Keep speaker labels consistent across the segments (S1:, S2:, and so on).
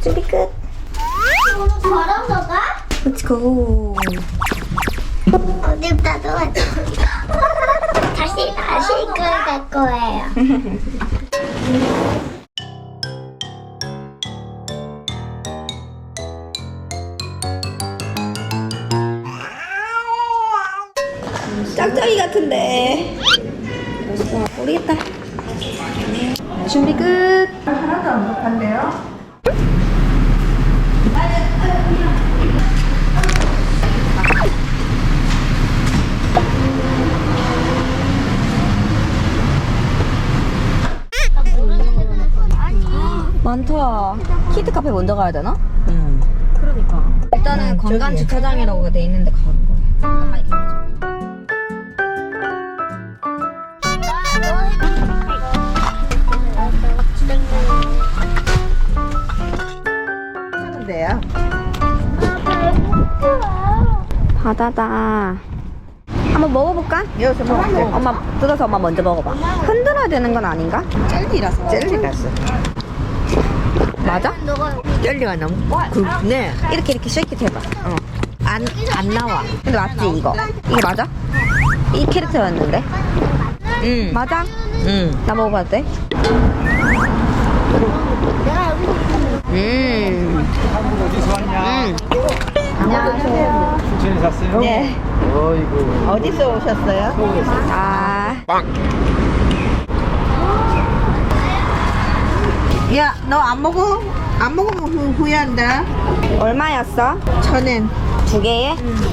S1: 준비 끝.
S2: 오늘 걸어서 가?
S1: Let's go.
S2: 어디다 놓아? 다시 끌 거예요.
S1: 짝짝이 같은데. 모르겠다. 준비 끝.
S3: 하나도 안 못한대요?
S1: 많다. 키드 카페 먼저 가야 되나?
S3: 그러니까.
S1: 일단은 관광 주차장이라고 돼 있는데 가는 거야. 잠깐 빨리 가자.
S3: 하는데요?
S1: 바다다. 한번 먹어볼까?
S3: 여기서 먹을게.
S1: 엄마 뜯어서 엄마 먼저 먹어봐. 흔들어야 되는 건 아닌가?
S3: 젤리라서. 젤리라서.
S1: 맞아?
S3: 젤리가 너무 굵네.
S1: 이렇게 쉐이킷 해봐.
S3: 안 나와.
S1: 근데 맞지 이거? 이게 맞아? 이 캐릭터였는데?
S3: 응.
S1: 맞아?
S3: 응.
S1: 나 먹어봐도 돼?
S4: 어디서 왔냐?
S1: 안녕하세요.
S4: 춘천에 샀어요?
S1: 네.
S4: 어이구.
S3: 어디서 오셨어요?
S4: 서울에서.
S1: 아,
S3: 야, 너 안 먹어? 안 먹으면 후회한다.
S1: 얼마였어?
S3: 1,000엔.
S1: 두 개에?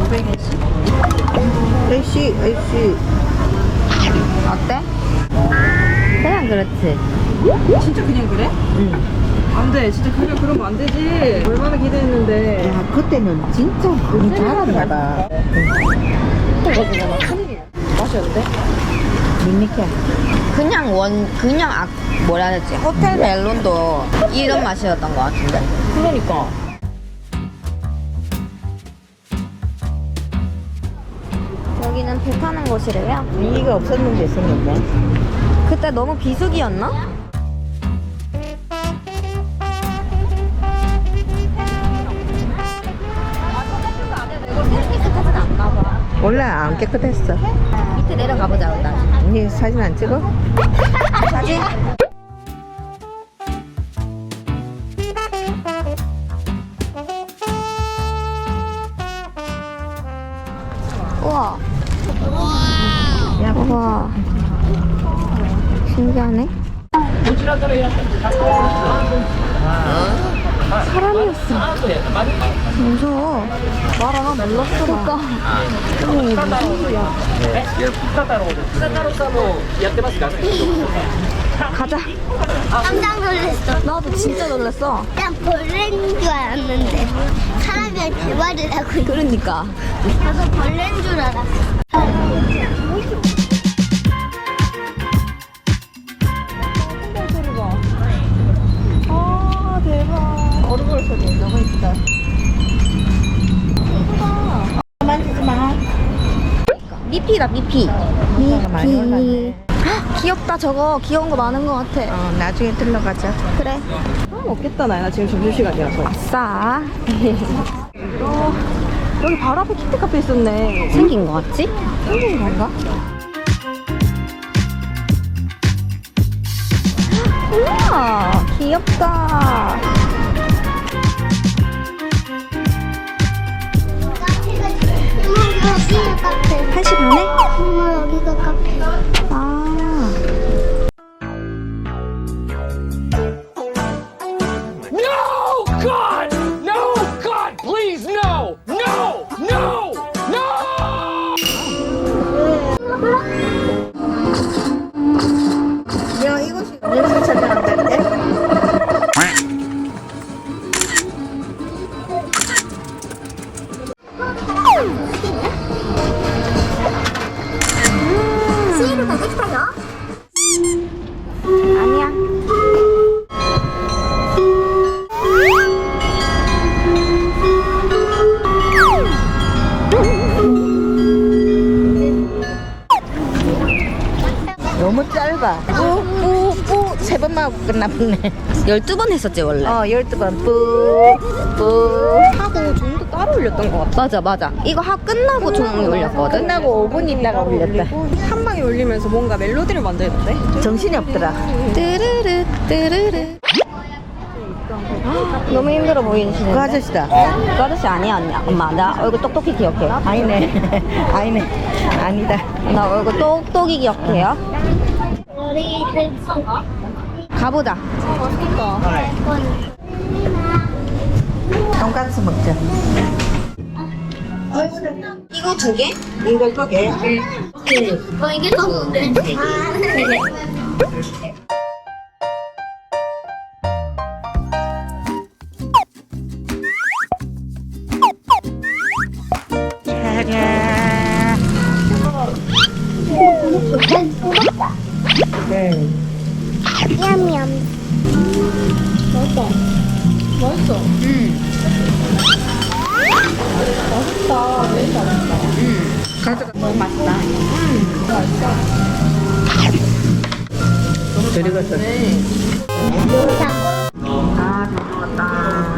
S3: 아이씨.
S1: 어때? 그냥 그렇지.
S5: 진짜 그냥 그래?
S3: 응.
S5: 안 돼. 진짜 그냥 그러면 안 되지. 얼마나 기대했는데.
S3: 야, 그때는 진짜 많이 잘하나 봐.
S5: 맛이 어때?
S3: 밋밋해.
S1: 그냥 뭐라 해야 되지? 호텔 멜론도 이런 맛이었던 것 같은데.
S5: 그러니까.
S1: 여기는 배 타는 곳이래요.
S3: 위기가 없었는데 생겼네.
S1: 그때 너무 비수기였나? 깨끗하진 않나 봐.
S3: 몰라, 안 깨끗했어.
S1: 밑에 내려가 보자, 일단.
S3: 언니 사진 안 찍어?
S1: 사진? 우와. 우와. 신기하네. 사람이었어. 무서워. 말아, 놀랐어. 그러니까. 가자.
S2: 깜짝 놀랐어.
S1: 나도 진짜 놀랐어.
S2: 난 벌레인 줄 알았는데 사람이랑 대화를 하고 있어.
S1: 그러니까.
S2: 나도 벌레인 줄 알았어.
S1: 아, 대박.
S3: 오르골 소리 너무 있어. 만지지 마.
S1: 미피다, 미피.
S3: 많이 올랐네.
S1: 헉, 귀엽다, 저거. 귀여운 거 많은 것 같아.
S3: 나중에 들러가자.
S1: 그래.
S5: 먹겠다, 나야. 지금 점심시간이라서.
S1: 아싸.
S5: 여기 바로 앞에 키트 카페 있었네.
S1: 생긴 거 같지?
S5: 생긴 건가?
S1: 우와, 귀엽다.
S2: 여기가 카페.
S1: 1시 반에?
S2: 엄마 여기가 카페.
S1: 아.
S6: No, God! No, God, please, no! No! No! No!
S3: 야, 이곳이 냄새 찾아간다는데?
S2: 시에로가 섹시해요?
S1: 아니야.
S3: 너무 짧아. 뿌뿌뿌 3번만 하고 끝나보네.
S1: 12번 했었지 원래.
S3: 12번 뿌뿌
S5: 하고 종도 따로 올렸던 것 같아.
S1: 맞아. 이거 끝나고 종이 올렸거든.
S3: 끝나고 5분 있다가 올렸다.
S5: 한 방에 올리면서 뭔가 멜로디를 만들던데?
S3: 정신이 없더라.
S1: 뜨르르 뜨르르. 너무 힘들어 보이시는데.
S3: 그 아저씨다.
S1: 그 아저씨 아니야 언니. 엄마 나 얼굴 똑똑히 기억해.
S3: 아니네. 아니네. 아니다.
S1: 나 얼굴 똑똑히 기억해요. 가보자.
S3: 돈가스 먹자.
S1: 이거 2개?
S3: 이거 2개.
S2: 이게 더 좋은데. 냠냠.
S1: 너무 맛있다.
S3: 잘 익었어.
S1: 아, 잘 먹었다.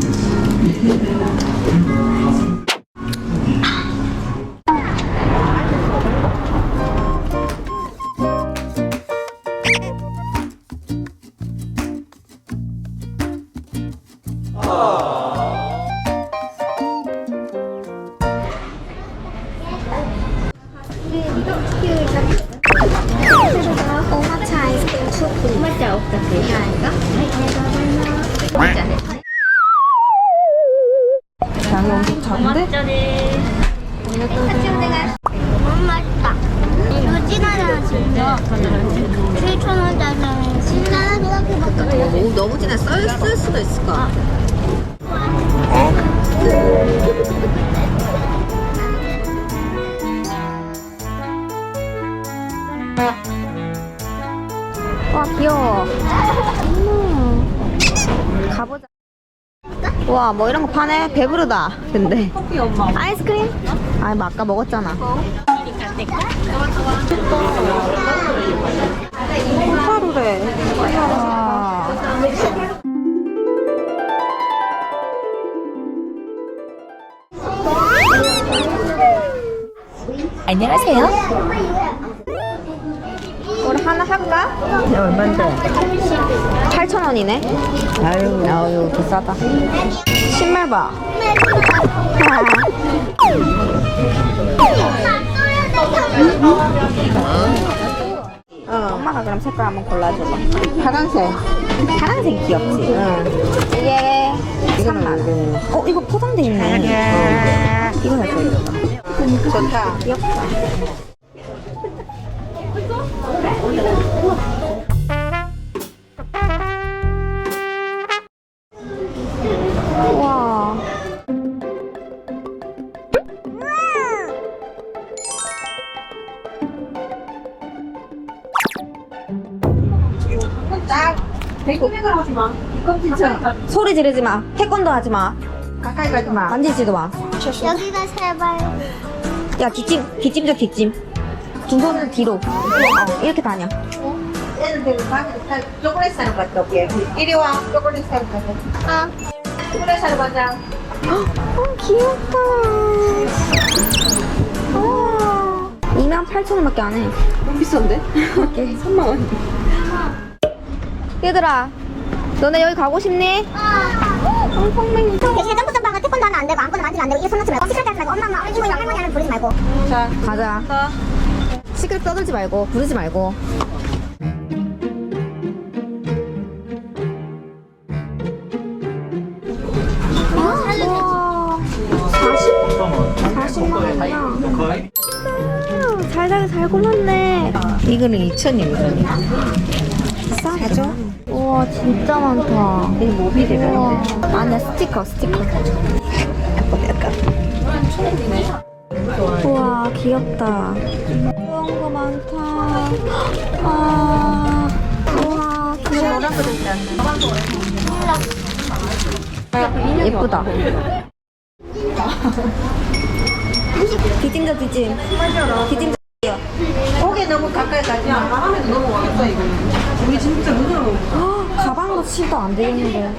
S2: 오마차 아이스크림 초코. 맛이 없다.
S5: 양이 엄청 작은데?
S2: 너무 맛있다. 이거 진하잖아 진짜. 7,000원짜리 진하다 생각해봤다.
S1: 오, 너무 진해. 쓸 수도 있을 것 같아. 와, 귀여워. 가보자. 와, 뭐 이런 거 파네? 배부르다. 근데.
S5: 커피 엄마.
S1: 아이스크림? 아니, 뭐 아까 먹었잖아.
S5: 하루래.
S1: 와.
S3: 안녕하세요.
S1: 우리 하나 할까?
S3: 얼만데?
S1: 8,000원이네. 아유, 비싸다. 신발 봐. 엄마가 그럼 색깔 한번 골라줘봐.
S3: 파란색.
S1: 파란색 귀엽지? 이게 3만원. 이거 포장돼 있네. 이거 살 거야.
S3: 좋다.
S1: 귀엽다. 와.
S3: 백구백을 하지 마. 껌진짜.
S1: 소리 지르지 마. 태권도 하지 마.
S3: 가까이 가지 마.
S1: 만지지도 마.
S2: 여기가 제발.
S1: 야, 뒷짐 줘, 뒷짐. 두 손을 뒤로. 이렇게 다녀.
S3: 애들 초콜릿 사러 갔다 올게. 이리 와. 초콜릿 사러 가자. 초콜릿 사러 가자.
S1: 귀엽다. 28,000원밖에 안 해.
S5: 너무 비싼데? 3만원.
S1: 얘들아, 너네 여기 가고 싶니?
S2: 엉펑맹이. 예전부터 봐가 태권도 하면 안 되고 아무거나 만지면 안 되고 이거 손 놓지 말고 시끄럽게 하지 말고 엄마 이모 할머니 하면 부르지 말고.
S3: 자,
S1: 가자. 시끄럽게 떠들지 말고, 부르지 말고. 와, 40만 원이야. 잘 골랐네.
S3: 이거는 2,000원이거든.
S1: 싸죠? 우와, 진짜 많다.
S3: 이게 모빌이라는데.
S1: 우와. 아니야, 스티커. 우와, 귀엽다. 그런 거 많다. 아, 우와, 귀여워. 예쁘다. 뒷짐 줘, 뒷짐. 뒷짐 줘. 드릴게요.
S3: 고개 너무 가까이 가지
S5: 야,
S3: 마.
S5: 바람에도 넘어가겠다, 이거는. 우리 진짜 눈으로.
S1: 가방으로 치도 안 되겠는데.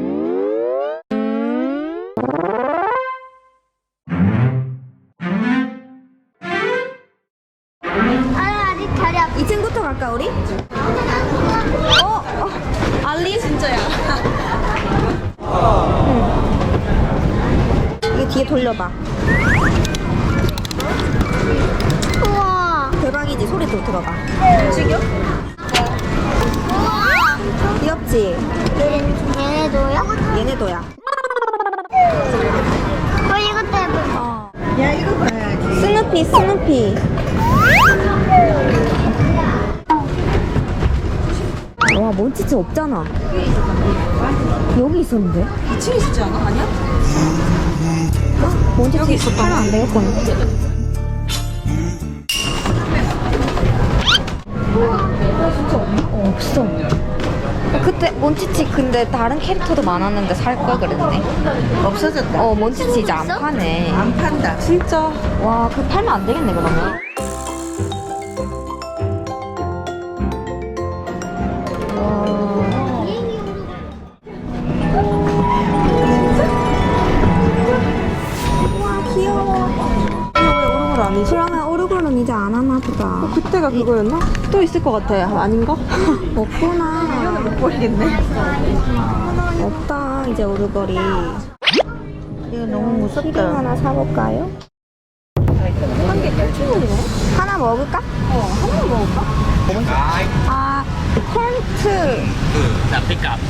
S2: 아직 자리 앞.
S1: 2층부터 갈까 우리? 알리 진짜야. 이거 뒤에 돌려봐.
S2: 우와.
S1: 대박이지. 소리 또 들어봐.
S2: 지금? 우와.
S1: 귀엽지?
S2: 얘네도요?
S1: 얘네도야.
S2: 이것도 예뻐.
S3: 야, 이거 봐야지.
S1: 스누피 스누피. 와 몬치치 없잖아. 여기 있었는데?
S5: 2층에 있지 않아? 아니야?
S1: 몬치치 여기 있었다. 하면 안 되겠군. 진짜 없나? 없어. 그때 몬치치 근데 다른 캐릭터도 많았는데 살 걸 그랬네.
S3: 없어졌다.
S1: 몬치치 이제 안 파네.
S3: 안 판다.
S5: 진짜.
S1: 와, 그 팔면 안 되겠네 그러면.
S5: 오르골 아니지?
S1: 그러면 오르골은 이제 안 하나 보다.
S5: 그때가 그거였나? 또 있을 것 같아. 아닌가?
S1: 없구나.
S5: 못 버리겠네.
S1: 없다 이제 오르골이.
S3: 이거 너무
S1: 키링
S3: 무섭다.
S1: 하나 사볼까요?
S5: 한개 8,000원이네?
S1: 하나 먹을까?
S5: 하나만 먹을까?
S1: 아, 콘트.
S6: Now pick up.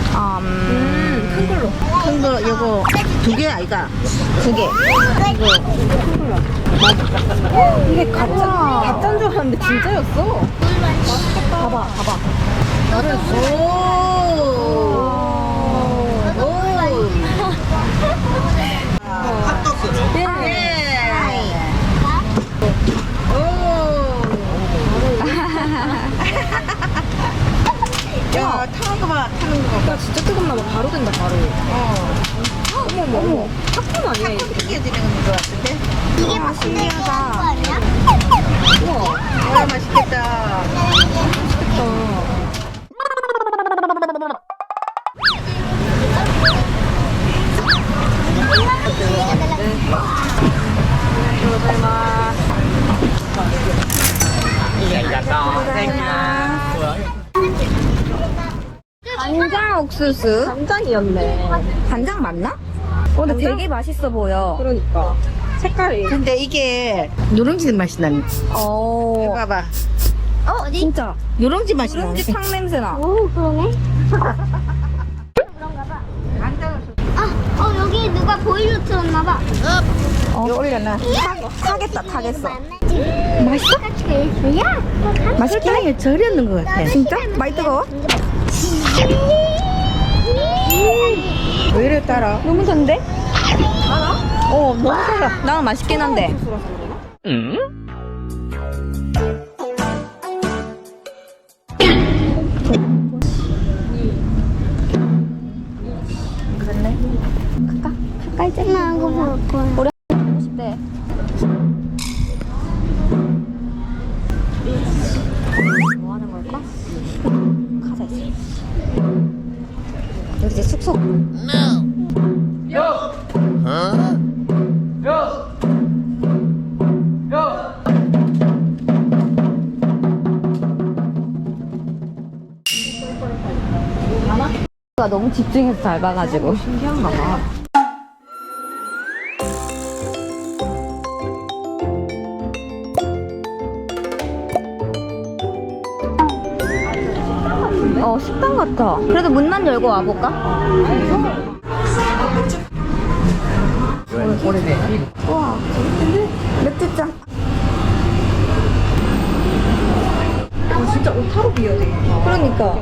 S5: 큰 걸로.
S3: 큰 거, 이거 2개 아이가?
S1: 2개.
S5: 이게 가짜인 줄 알았는데 진짜였어.
S1: 봐봐.
S3: 야, 타는 거 봐, 타는 거 봐.
S5: 야, 진짜 뜨겁나 봐. 바로 된다, 바로. 어머. 팝콘 아니야, 이거?
S3: 튀겨지는 거 같은데?
S2: 이게 맛있는 거 아니야?
S3: 와, 맛있겠다.
S1: 간장 옥수수.
S5: 간장이었네.
S1: 간장 맞나? 근데 되게 맛있어 보여.
S5: 그러니까. 색깔이.
S3: 근데 이게 누룽지 맛이 나네. 봐봐.
S2: 어디?
S1: 진짜.
S3: 누룽지 맛이 나네.
S1: 누룽지 탕 냄새 나.
S2: 오, 그러네. 여기 누가 보일러 틀었나봐.
S3: 이거 올려놔.
S1: 타겠어.
S2: 맛있어? 야,
S1: 맛있긴 해.
S3: 절였는 것 같아.
S1: 진짜? 많이 뜨거워?
S3: 왜 이래 따라?
S1: 너무 단데?
S3: 너무 달아.
S1: 나는 맛있긴 한데. 갈까 이제?
S2: 나 이거 볼 거야.
S1: 우리 싶대. 뭐 하는 걸까? 가자 이제. 여기 이제 숙소. 가 너무 집중해서 잘 봐가지고
S5: 신기한가 봐.
S1: 식당 같아. 그래도 문만 열고 와볼까? 우와 맥주잔.
S5: 진짜 오타로 비어 되겠다.
S1: 그러니까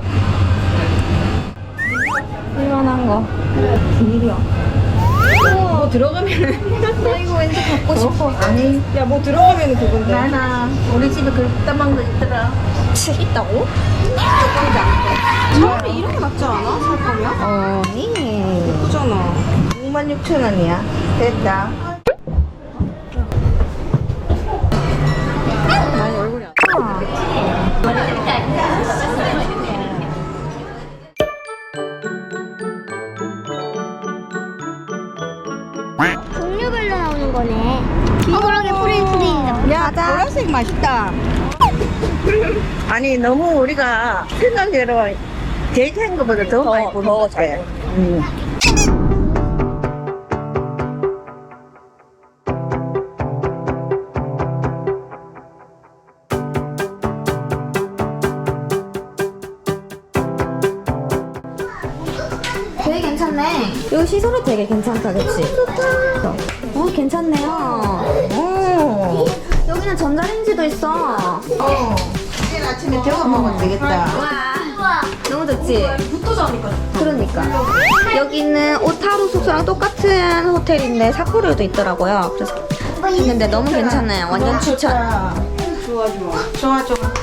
S1: 이만한 거 비밀이야.
S5: 뭐 들어가면은.
S1: 나 이거 왠지 갖고 싶어.
S3: 아니,
S5: 야, 뭐 들어가면은 그건데.
S3: 나나. 우리 집에 그딴 거 있더라.
S5: 있다고? 차라리 이렇게 낫지 않아? 살 거면? 예쁘잖아.
S3: 66,000원이야. 됐다. 갈색 맛있다. 아니 너무 우리가 생각대로 대기한 것보다 더 많이 보는 것 같아.
S1: 되게 괜찮네. 여기 시설이 되게 괜찮다, 그치? 괜찮네요. 여기는 전자레인지도 있어.
S3: 내일 아침에 데워 먹으면 되겠다.
S1: 와, 너무 좋지? 그러니까. 여기는 오타루 숙소랑 똑같은 호텔인데 사포르도 있더라고요. 그래서 있는데 너무 괜찮아요. 완전 추천.
S3: 좋아.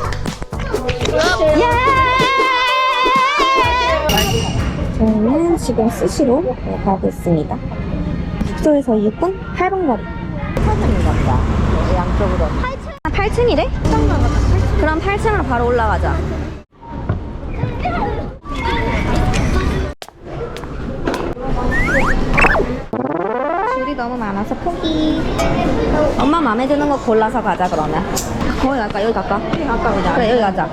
S1: 저희는 지금 스시로 가고 있습니다. 숙소에서 6분? 8분 거리. 8층인가 보다. 양쪽으로. 8층이래? 그럼 8층으로 바로 올라가자. 줄이 너무 많아서 포기. 엄마 마음에 드는 거 골라서 가자, 그러면. 거기 갈까? 여기 갈까? 그래, 여기 가자.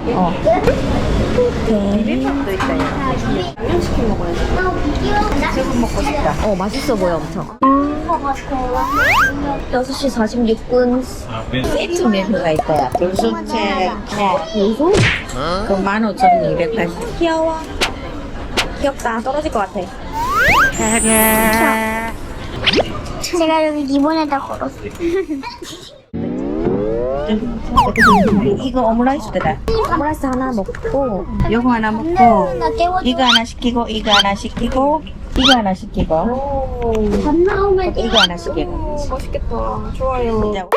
S1: 오케이.
S3: 비빔밥도 있다. 양념치킨 먹어야지. 저거 먹고 싶다.
S1: 맛있어 보여, 엄청. 6시 46분.
S3: 세트 메뉴가 있다. 돌솥채
S1: 무슨?
S3: 그 15,280.
S1: 귀여워. 귀엽다. 떨어질 것 같아.
S2: 제가 여기 기본에다 걸었어.
S3: 이거 오므라이스다.
S1: 오므라이스 하나 먹고.
S3: 요거 하나 먹고 이거 하나 시키고 이거 하나 시키고 이거 하나 시키고
S2: 밥 나오면
S3: 이거 하나 시키고.
S5: 맛있겠다. 좋아요.
S3: 이제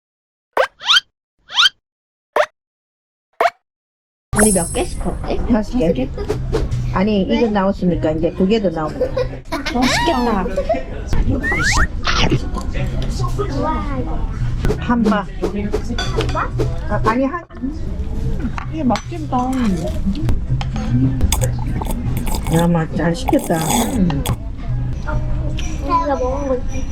S1: 우리 몇 개 시켰지?
S3: 5개. 아니 이거 나왔으니까 이제 2개 더 나오고.
S1: 맛있겠다.
S3: 한바. 아니 한. 이게 맛집다. 야, 맛잘 시켰다.
S2: 내가 먹은 거지.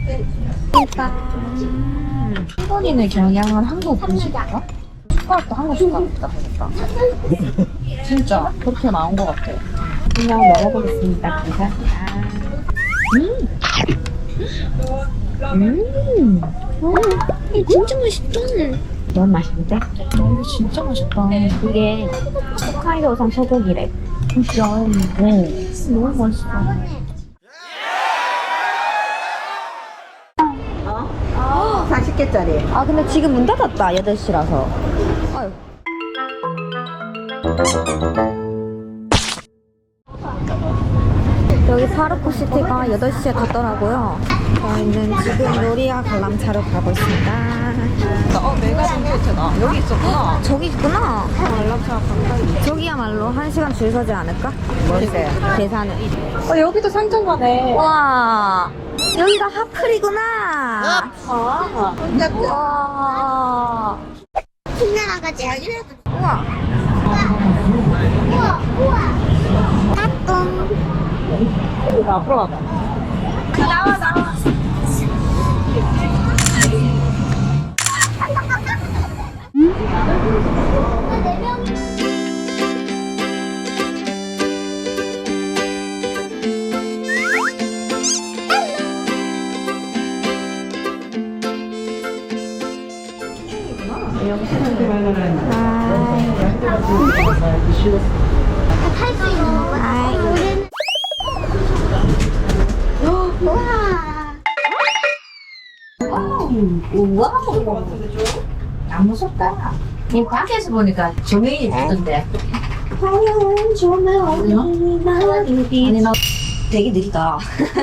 S1: 일본인의 경향은 한국 음식인가? 숟가락도 한국 숟가락이다 보니까. 진짜 그렇게 나온 것 같아. 그냥 먹어보겠습니다. 감사합니다. 이게 진짜 맛있다. 너무 맛있는데? 이거 진짜 맛있다. 이게 홋카이도산 소고기래. 진짜. 너무 맛있어.
S3: 40개짜리.
S1: 아 근데 지금 문 닫았다. 8시라서. 아유. 여기 파르코시티가 8시에 닫더라고요. 저희는 지금 요리야 관람차로 가고 있습니다.
S5: 내가 생겼잖아. 여기 있었구나.
S1: 저기 있구나.
S5: 관람차 가까이.
S1: 저기야말로 1시간 줄 서지 않을까?
S3: 뭔데?
S1: 계산은.
S5: 여기도 상점가네.
S1: 와, 여기가 하플이구나.
S5: 아.
S1: 와.
S2: 신나라 가지.
S1: 우와.
S2: 우와. 따뚱.
S5: 이거 앞으로 가봐.
S2: 나와. 탈수 있는 거야? 우와.
S3: 안 무섭다. 이 밖에서 보니까 조명이 있던데.
S1: 화려한 조명이 나르기. 아니 나 되게 느리다.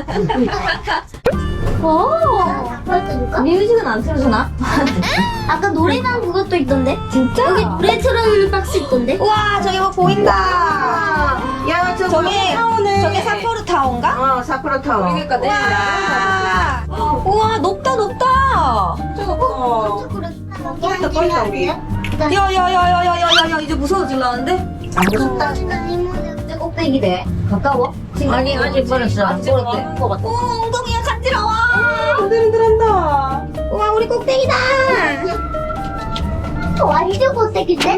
S1: 뮤직은 안 틀어주나?
S2: 아까 노래방 그것도 있던데?
S1: 진짜?
S2: 여기 노래 틀어주는 박스 있던데?
S1: 우와 저기 뭐 보인다.
S3: 야,
S1: 저게 사포르 타워인가?
S3: 사쿠라 타워.
S5: 그러니까 내일
S1: 우와. 우와 높다 높다.
S5: 진짜 높다.
S3: 떠있다, 우리.
S1: 야야야야야야야 이제 무서워질라는데?
S3: 안 무섭다.
S1: 진짜 꼭대기래. 가까워?
S3: 아니, 아직 멀었어. 안 멀었대.
S5: 많은 것 같아.
S1: 오 엉덩이가 간지러워.
S5: 흔들흔들한다.
S1: 우와 우리 꼭대기다.
S2: 완전 못생긴데?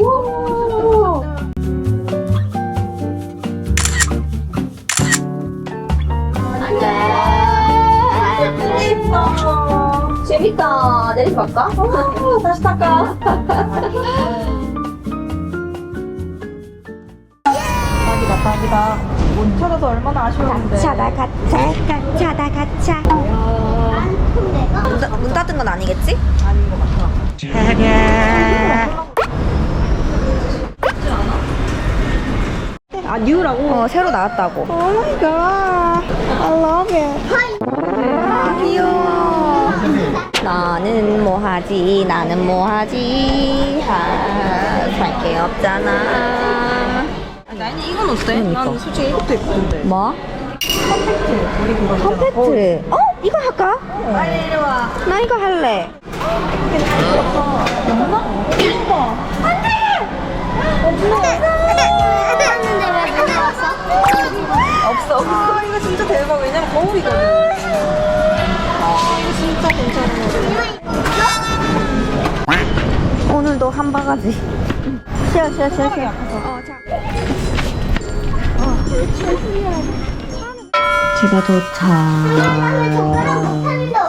S1: 재밌다. 내리지 말까? 다시 탈까?
S5: 딱이다. 못 찾아서 얼마나 아쉬웠는데.
S2: 가차다 가차.
S1: 문 닫은 건 아니겠지?
S5: 아닌 것 같아. 아, 뉴라고?
S1: 새로 나왔다고.
S5: 오 마이 갓. I love it.
S1: 귀여워. 너는 뭐하지? 나는 뭐하지? 살게 없잖아.
S5: 아니, 이건 어때?
S1: 그러니까.
S5: 난 솔직히 이것도 예쁜데.
S1: 뭐?
S5: 우리 그거 있잖아.
S1: 컴팩트. 이거 할까?
S5: 빨리 이리 와.
S1: 나 이거 할래.
S2: 했는데 왜 가져왔어?
S1: 없어.
S5: 아, 이거 진짜 대박. 왜냐면 거울이거든. 이거 진짜 괜찮은 거.
S1: 오늘도 한 바가지. 쉬어.
S5: 자.
S1: 제가 도착.